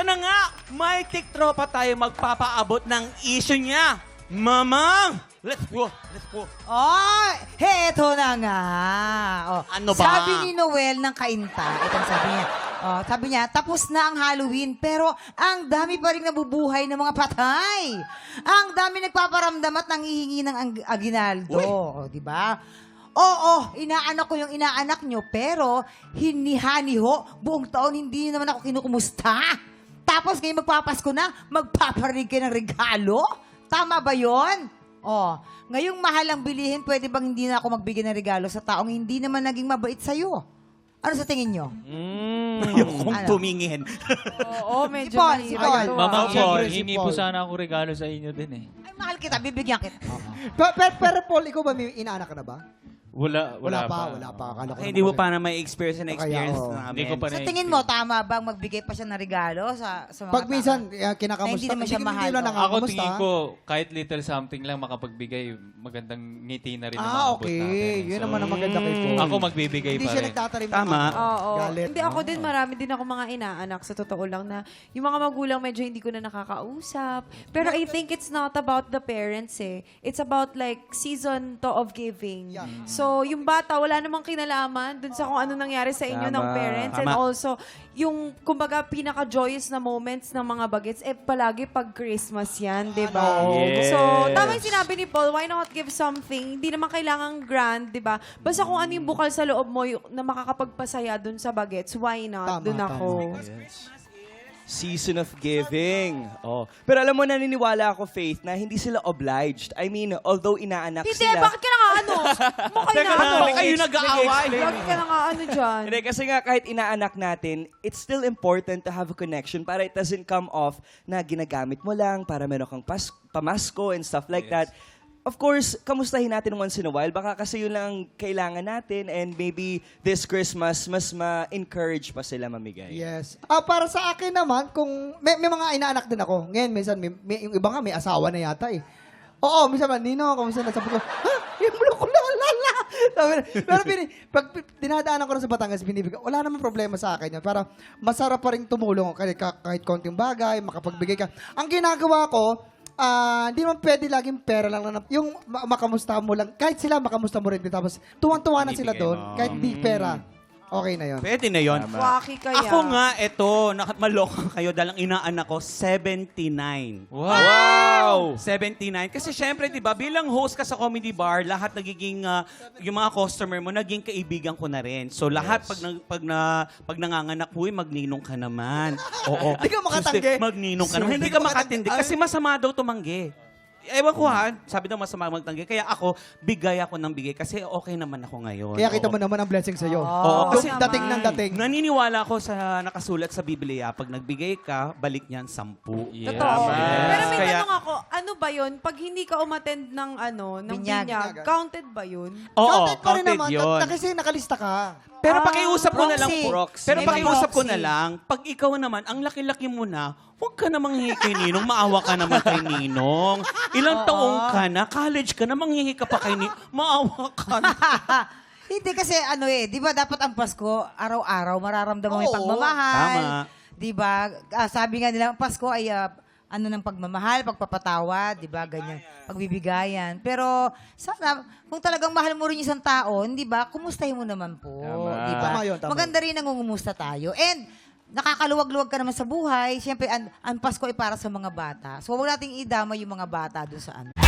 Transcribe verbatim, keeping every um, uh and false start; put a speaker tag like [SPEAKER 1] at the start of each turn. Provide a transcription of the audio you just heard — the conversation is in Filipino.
[SPEAKER 1] na nga, may tiktropa tayo magpapaabot ng issue niya. Mamang, let's go, let's go.
[SPEAKER 2] Oh, heto na nga. Oh,
[SPEAKER 1] Ano ba?
[SPEAKER 2] Sabi ni Noel ng Kainta, itong sabi niya, oh, sabi niya, tapos na ang Halloween, pero ang dami pa rin nabubuhay ng mga patay. Ang dami nagpaparamdam at nangihingi ng ang- aginaldo. Oh, di ba? Oo, inaanak ko yung inaanak nyo, pero hinihani ho, buong taon hindi naman ako kinukumusta. Tapos ngayon magpapasko na, magpaparinig kayo ng regalo? Tama ba yon? Oh, ngayong mahal ang bilihin, pwede bang hindi na ako magbigay ng regalo sa taong hindi naman naging mabait sa'yo? Ano sa tingin nyo?
[SPEAKER 1] Mm, ayokong
[SPEAKER 2] Ano?
[SPEAKER 1] tumingin.
[SPEAKER 3] Oo, medyo
[SPEAKER 2] Ipon,
[SPEAKER 3] mahirap
[SPEAKER 2] ipon.
[SPEAKER 3] ito, ah.
[SPEAKER 4] Mama
[SPEAKER 5] Siyempre,
[SPEAKER 4] Paul,
[SPEAKER 5] si
[SPEAKER 4] hingi
[SPEAKER 5] Paul.
[SPEAKER 4] po sana ako regalo sa inyo din eh.
[SPEAKER 2] Ay, mahal kita, bibigyan kita.
[SPEAKER 5] Pero, pero, pero Paul, ikaw ba may inaanak ka na ba?
[SPEAKER 4] Wala,
[SPEAKER 5] Wala,
[SPEAKER 4] wala,
[SPEAKER 5] pa, wala pa. Akala ko
[SPEAKER 1] Ay,
[SPEAKER 5] naman
[SPEAKER 1] hindi mo
[SPEAKER 5] kasi-
[SPEAKER 1] pa na may experience na experience
[SPEAKER 5] oo.
[SPEAKER 1] namin.
[SPEAKER 4] Hindi ko pa
[SPEAKER 2] Sa
[SPEAKER 4] na-
[SPEAKER 2] tingin mo, tama bang magbigay pa siya ng regalo sa, sa mga
[SPEAKER 5] Pag
[SPEAKER 2] tao?
[SPEAKER 5] minsan, uh,
[SPEAKER 2] Na
[SPEAKER 5] kinakamusta.
[SPEAKER 2] hindi naman siya
[SPEAKER 5] hindi-
[SPEAKER 2] mahal,
[SPEAKER 5] Hindi lang
[SPEAKER 2] oh.
[SPEAKER 4] Ako
[SPEAKER 5] nakakamusta.
[SPEAKER 4] tingin ko, kahit little something lang makapagbigay, magandang ngiti na rin ang
[SPEAKER 5] Ah,
[SPEAKER 4] maabot
[SPEAKER 5] okay.
[SPEAKER 4] natin.
[SPEAKER 5] Yun
[SPEAKER 4] So,
[SPEAKER 5] naman ang maganda kay Paul.
[SPEAKER 4] Ako magbibigay
[SPEAKER 5] Hindi
[SPEAKER 4] pa
[SPEAKER 5] siya
[SPEAKER 4] rin.
[SPEAKER 5] nagtatarim ng
[SPEAKER 1] Tama.
[SPEAKER 5] ano,
[SPEAKER 3] Oo.
[SPEAKER 5] galit.
[SPEAKER 3] Hindi, ako din, marami din ako mga inaanak sa totoo lang na yung mga magulang medyo hindi ko na nakakausap. Pero I think it's not about the parents eh. It's about like season to of giving.
[SPEAKER 5] Yeah.
[SPEAKER 3] So, yung bata, wala namang kinalaman dun sa kung ano nangyari sa inyo
[SPEAKER 1] Tama.
[SPEAKER 3] ng parents. And
[SPEAKER 1] Tama.
[SPEAKER 3] also, yung kumbaga pinaka-joyous na moments ng mga bagets, eh palagi pag Christmas yan, di ba?
[SPEAKER 1] Yes.
[SPEAKER 3] So, tama yung sinabi ni Paul, why not give something? Hindi naman kailangan grand, di ba? Basta kung ano yung bukal sa loob mo yung, na makakapagpasaya dun sa bagets, why not?
[SPEAKER 5] Tama,
[SPEAKER 3] Dun
[SPEAKER 5] tama.
[SPEAKER 3] ako.
[SPEAKER 6] Season of giving. Oh. Pero alam mo, naniniwala ako, Faith, na hindi sila obliged. I mean, although inaanak
[SPEAKER 3] Hindi,
[SPEAKER 6] sila...
[SPEAKER 3] bakit ka na nga ano? Mukha na ano?
[SPEAKER 1] Bakit kayo nag-aaway?
[SPEAKER 3] Bakit ka na nga ano dyan?
[SPEAKER 6] Hindi, kasi nga kahit inaanak natin, it's still important to have a connection para it doesn't come off na ginagamit mo lang para meron kang pas- pamasko and stuff like that. Of course, kamustahin natin once in a while. Baka kasi yun lang ang kailangan natin and maybe this Christmas, mas ma-encourage pa sila mamigay.
[SPEAKER 5] Yes. Ah, para sa akin naman, kung may, may mga inaanak din ako. Ngayon, minsan, may, may, yung iba nga may asawa na yata eh. Oo, minsan man, Nino, kamusta na? Sabi ko, ha? Yung mo ko la, la, la. Sabi na- Pero pini, pag pi- dinadaanan ko na sa Batangas, binibigay, wala namang problema sa akin yan. Para masarap pa rin tumulong kahit, kahit konting bagay, makapagbigay ka. Ang ginagawa ko, ah, hindi naman pwede laging pera lang na, yung ma- makamusta mo lang, kahit sila makamusta mo rin din, tapos tuwang-tuwa na sila
[SPEAKER 1] Ibigay
[SPEAKER 5] doon,
[SPEAKER 1] mo.
[SPEAKER 5] kahit di pera, okay na yun.
[SPEAKER 1] Pwede na yun.
[SPEAKER 3] Waki kaya.
[SPEAKER 1] Ako nga, eto, nak- maloka kayo dahil ang inaanak ko, seventy-nine.
[SPEAKER 6] Wow!
[SPEAKER 1] seventy-nine. Kasi syempre, di ba, bilang host ka sa comedy bar, lahat nagiging, ah, yung mga customer mo, naging kaibigan ko na rin. So lahat, pag, nang- pag, na, pag nanganganak, huy, magninong ka naman. Oo.
[SPEAKER 5] Hindi ka makatanggi.
[SPEAKER 1] Gusto- Magninong ka naman. Hindi ka makatindi. Kasi masama daw tumanggi. Ewan ko ha, sabi daw masama magtanggi. Kaya ako, bigay ako ng bigay kasi okay naman ako ngayon.
[SPEAKER 5] Kaya kita
[SPEAKER 1] Oo.
[SPEAKER 5] mo naman ang blessing sa'yo.
[SPEAKER 1] Oo,
[SPEAKER 5] Yung
[SPEAKER 1] kasi
[SPEAKER 5] dating ng dating.
[SPEAKER 1] naniniwala ako sa nakasulat sa Biblia, pag nagbigay ka, balik niyan sampu.
[SPEAKER 4] Yeah.
[SPEAKER 3] Totoo.
[SPEAKER 4] Yes.
[SPEAKER 3] Pero may
[SPEAKER 1] Kaya-
[SPEAKER 3] tanong ako, ano ba yun? Pag hindi ka umattend ng ano, ng
[SPEAKER 2] Binyag.
[SPEAKER 3] binyag, counted ba yun?
[SPEAKER 1] Oo,
[SPEAKER 5] counted pa rin
[SPEAKER 1] counted
[SPEAKER 5] naman.
[SPEAKER 1] yun.
[SPEAKER 5] Na, na, kasi nakalista ka.
[SPEAKER 1] Pero
[SPEAKER 3] Ah,
[SPEAKER 1] pakiusap ko na lang,
[SPEAKER 2] proxy.
[SPEAKER 6] Proxy.
[SPEAKER 1] pero
[SPEAKER 2] May
[SPEAKER 1] pakiusap ko
[SPEAKER 2] proxy.
[SPEAKER 1] na lang, pag ikaw naman, ang laki-laki mo na, huwag ka namang hihi kay Ninong, maawa ka naman kay Ninong. Ilang taong ka na, college ka na, manghihi ka pa kay Ninong, maawa ka na.
[SPEAKER 2] Hindi kasi ano eh, di ba dapat ang Pasko, araw-araw mararamdaman mo yung
[SPEAKER 5] Oo,
[SPEAKER 2] pagmamahal.
[SPEAKER 1] tama.
[SPEAKER 2] Di ba? Ah, sabi nga nila, ang Pasko ay ah, ano ng pagmamahal, pagpapatawa, di ba? Ganyan, pagbibigayan. Pero sana, kung talagang mahal mo rin isang tao, di ba? Kumustahin mo naman po.
[SPEAKER 6] Tama.
[SPEAKER 2] Di ba?
[SPEAKER 5] Tama yun, tama
[SPEAKER 2] Maganda rin nangungumusta tayo. And nakakaluwag-luwag ka naman sa buhay. Siyempre, ang, ang Pasko ay para sa mga bata. So, huwag nating idama yung mga bata dun sa ano.